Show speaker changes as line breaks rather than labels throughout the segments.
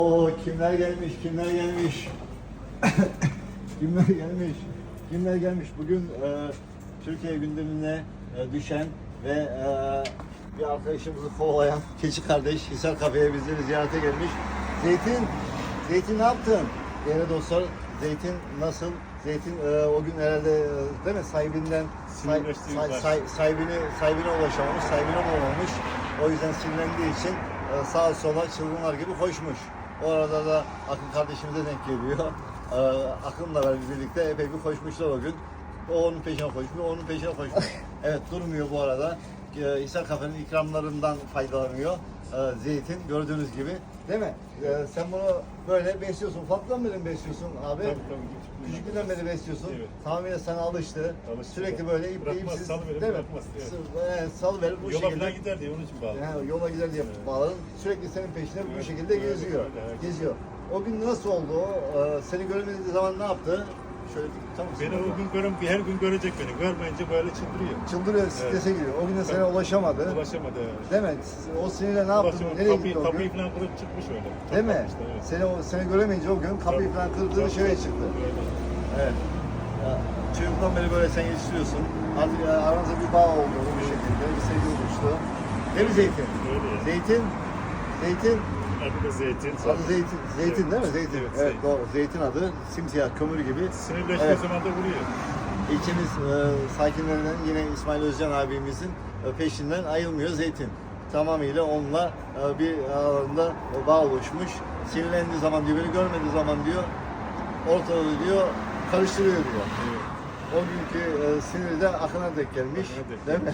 Oo, kimler gelmiş, kimler gelmiş. kimler gelmiş, kimler gelmiş. Bugün Türkiye gündemine düşen ve bir arkadaşımızı kovalayan keçi kardeş Hisar Kafe'ye bizleri ziyarete gelmiş. Zeytin ne yaptın? Değerli dostlar, Zeytin nasıl? Zeytin o gün herhalde değil mi sahibinden sahibine ulaşamamış, sahibine bulamamış. O yüzden sinirlendiği için sağa sola çılgınlar gibi koşmuş. O arada da Akın kardeşimize denk geliyor. Akın'la birlikte epey bir koşmuşlar o gün. O onun peşine koşmuyor, onun peşine koşmuş. Evet, durmuyor bu arada. Hisar Kafe'nin ikramlarından faydalanıyor. Zeytin gördüğünüz gibi. Değil mi? Sen bunu böyle besliyorsun. Ufaktan beri mi besliyorsun abi?
Tabii.
Küçüklüğünden beri besliyorsun.
Evet.
Tamamıyla sana alıştı. Sürekli böyle ipsiz, değil mi? Salıverir bu
yola
şekilde.
falan gider diye onun için bağlı.
Yani yola gider diye bağladın. Sürekli senin peşinde bu şekilde geziyor. Geziyor. O gün nasıl oldu o? Seni göremediği zaman ne yaptı? Şöyle tutar mısın?
Beni o gün her gün görecek beni. Görmeyince böyle çıldırıyor.
Çıldırıyor, strese giriyor. O gün de sana ulaşamadı.
Ulaşamadı.
Değil mi? O sinirle ne yaptın? Nereye gitti o gün?
Kapıyı falan kırıp çıkmış öyle. Çok
Değil mi?
kalmıştı, evet.
Seni göremeyince o gün kapıyı
Tabii.
falan kırdı,
Tabii.
dışarıya çıktı.
Öyle.
Evet. Ya, çocuktan beri böyle sen yetiştiriyorsun. Artık aranızda bir bağ oldu bu şekilde. Bir sevgi oluştu. Değil mi Zeytin?
Öyle.
Zeytin.
Adı da Zeytin.
Adı Zeytin. Zeytin
Evet.
değil mi? Zeytin.
Evet,
Evet,
Zeytin.
doğru. Zeytin adı. Simsiyah kömür gibi.
Sinirleştiği
Evet.
zaman da vuruyor.
İlçemiz sakinlerinden yine İsmail Özcan abimizin peşinden ayrılmıyor Zeytin. Tamamıyla onunla bir aralarında bağ oluşmuş. Sinirlendiği zaman diyor, beni görmediği zaman diyor, ortalığı diyor, karıştırıyor diyor.
Evet.
O günkü siniri de Akın'a denk gelmiş.
Akın'a denk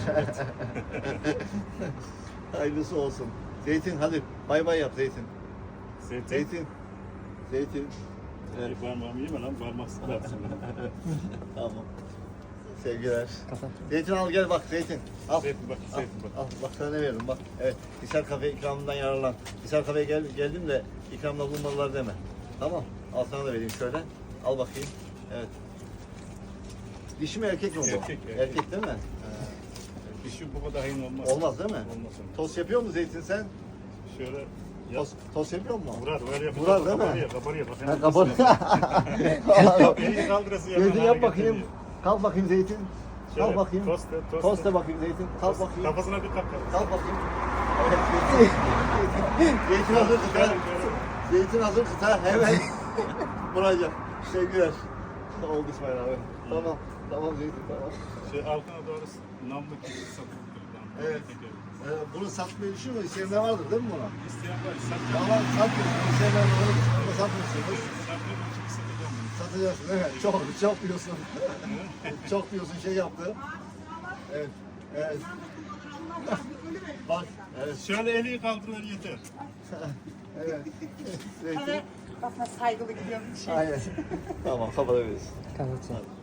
Değil mi? Hayırlısı olsun. Zeytin hadi bay bay yap Zeytin.
Zeytin.
Zeytin. Evet.
Parmağımı yeme lan, parmak sıkarsın.
Tamam. Sevgiler. Zeytin al gel bak Zeytin. Al.
Zeytin bak, Zeytin bak.
Al bak sana ne veririm bak. Evet. Hisar Kafe ikramından yararlan. Hisar Kafe'ye geldim de ikramda bulunmadılar deme. Tamam. Al sana da vereyim şöyle. Al bakayım. Evet. Dişi mi erkek mi bu?
Erkek.
Erkek değil mi?
Dişi bu kadar hayın olmaz.
Olmaz değil mi?
Olmaz.
Tost yapıyor mu Zeytin sen?
Şöyle
Tost yapıyor mu?
vurar yapıyor.
Vurar değil mi?
Kabarıyor.
Ha, kapat.
Elini kaldırası
Zeytin yap bakayım. Kalk bakayım Zeytin. Kalk
Şöyle,
bakayım.
tost.
Tosta bakayım Zeytin. Kalk bakayım.
Kafasına bir kalk.
Kalk bakayım. Evet, Zeytin hazır kıta. Zeytin hazır kıta. Hemen vuracak. Sevgiler. Oldu İsmail abi. Tamam. Tamam Zeytin tamam.
Altına doğru namlu keçi satılır.
Evet. Bunu satmayı düşünmüyor. İsteyenler vardır değil mi buna?
İsteyen var.
Tamam satmıyorsun. İsteyenler var. Ama satmıyorsunuz.
Satmıyorum çünkü satacağım bunu.
Satacaksın evet. Çok diyorsun. Çok diyorsun şey yaptı. Evet. Evet. Bak. Evet.
Şöyle eli kaldırır yeter.
Evet. Zeytin.
Bana saygılı gidiyorum.
Aynen. Tamam kapatabiliriz.
Kapat.